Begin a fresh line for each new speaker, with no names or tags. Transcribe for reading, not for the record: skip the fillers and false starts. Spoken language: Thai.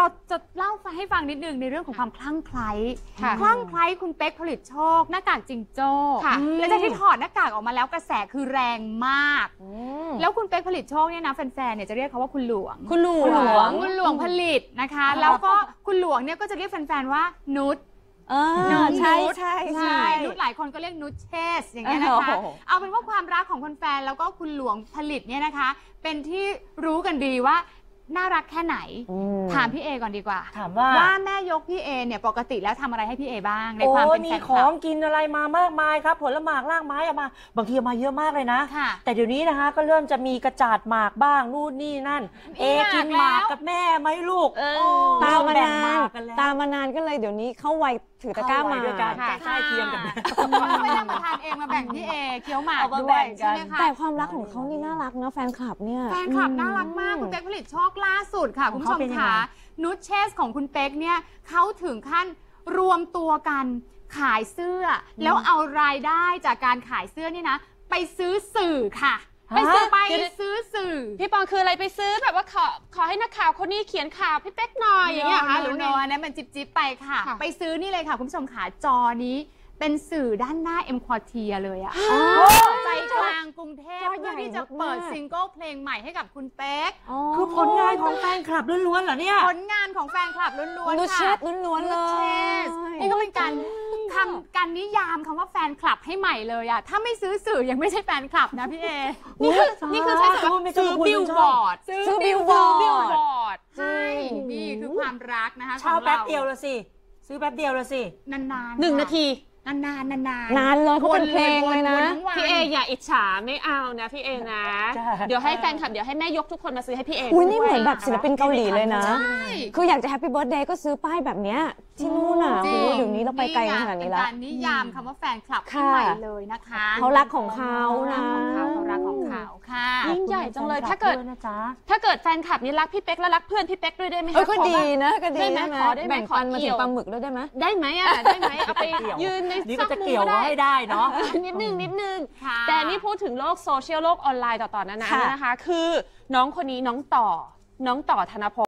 เราจะเล่าให้ฟังนิดนึงในเรื่องของความคลั่งไคล้คลั่งไคล้คุณเป๊กผลิตโชคหน้ากากจิงโจ้แล้วจากที่ถอดหน้ากากออกมาแล้วกระแสคือแรงมากแล้วคุณเป๊กผลิตโชคเนี่ยนะแฟนๆเนี่ยจะเรียกเขาว่าคุณหลวงคุณหลวงผลิตนะคะแล้วก็คุณหลวงเนี่ยก็จะเรียกแฟนๆว่านุชใช่นุชหลายคนก็เรียกนุชเชสอย่างเงี้ยนะคะเอาเป็นว่าความรักของคนแฟนแล้วก็คุณหลวงผลิตเนี่ยนะคะเป็นที่รู้กันดีว่าน่ารักแค่ไหนถามพี่เอก่อนดีกว่า
ถามว่า
แม่ยกพี่เอเนี่ยปกติแล้วทำอะไรให้พี่เอบ้างในความเป็นแฟนคลับ
มีของกินอะไรมามากมายครับผลไม้รากไม้เอามาบางทีเอามาเยอะมากเลยนะแต่เดี๋ยวนี้นะคะก็เริ่มจะมีกระจาดหมากบ้างนู่นนี่นั่นกินหมากกับแม่ไหมลูก
ตามมานานก็เลยเดี๋ยวนี้เข้าวัยถือตะกร้ามา
ด้วยกันใกล้เคียงกัน
ไม่ได้มาทานเองมาแบ่งพี่เอเคี้ยวหมากด้วยใช่ไหมคะ
แต่ความรักของเขานี่น่ารักนะแฟนคลับเนี่ย
แฟนคลับน่ารักมากคุณเป๊กผลิตโชคล่าสุดค่ะคุณผู้ชมค่ะนุชเชสของคุณเป๊กเนี่ยเขาถึงขั้นรวมตัวกันขายเสื้อแล้วเอารายได้จากการขายเสื้อนี่นะไปซื้อสื่อค่ะไปซื้อสื่อ
พี่ปองคืออะไรไปซื้อแบบว่าขอให้นักข่าวคนนี้เขียนข่าวพี่เป๊กหน่อยอย่างเงี้ยค่ะ
หรือไงอันนั้นมันจิ๊บไปค่ะไปซื้อนี่เลยค่ะคุณผู้ชมขาจอนี้เป็นสื่อด้านหน้าเอ็มควอเทียเลยอะใจกลางกรุงเทพเพื่อที่จะเปิดซิงเกิลเพลงใหม่ให้กับคุณเป๊ก
คือผลงานของแฟนคลับล้วนๆเหรอเนี่ย
ผลงานของแฟนคลับล้วน
ๆค่ะนุชเชสล้วนๆเลย
นี่ก็เป็นการนิยามคำว่าแฟนคลับให้ใหม่เลยอะถ้าไม่ซื้อสื่อยังไม่ใช่แฟนคลับนะพี่เอ
นี่คือใช้คำว่าซื้อบิลบอร์ด
ซื้อบิลบอร์
ดใช่นี่คือความรักนะคะ
เช่าแป๊บเดียวละสิซื้อแป๊บเดียวละสิ
นาน
ๆ1 นาที
นาน
เลยเขาเป็นเพลงเลยนะ
พี่เออย่าอิจฉาไม่เอานะพี่เอนะเดี๋ยวให้แฟนคลับเดี๋ยวให้แม่ยกทุกคนมาซื้อให้พี่เอ
อุ้ยนี่เหมือนแบบศิลปินเกาหลีเลยนะคืออยากจะแฮปปี้เบิร์ธเดย์ก็ซื้อป้ายแบบเนี้ยที่นู่นอ่ะเดี๋ยวนี้เราไปไกลขนาดนี้แล้ว
การนิยามคำว่าแฟนคลับที่ใหม่เลยนะคะ
เขารักของเขานะ
เขารักของเขาค่ะ
ยิ่งใหญ่จังเลยถ้าเกิดแฟนคลับนี่รักพี่เป๊กแล้วรักเพื่อนพี่เป๊กด้วยได้ไหม
ก็ดีนะก็ดีได้ไหมแบ่งปันมาถึงปลาหมึกด้วยได้ไหม
ได้ไหมอ่ะได้ไหมเอาไปยืนใน
จะเกี่ยวให้ได้เนาะ
นิดนึงแต่นี่พูดถึงโลกโซเชียลโลกออนไลน์ต่อๆนั้นนะคะคือน้องคนนี้น้องต่อธนพล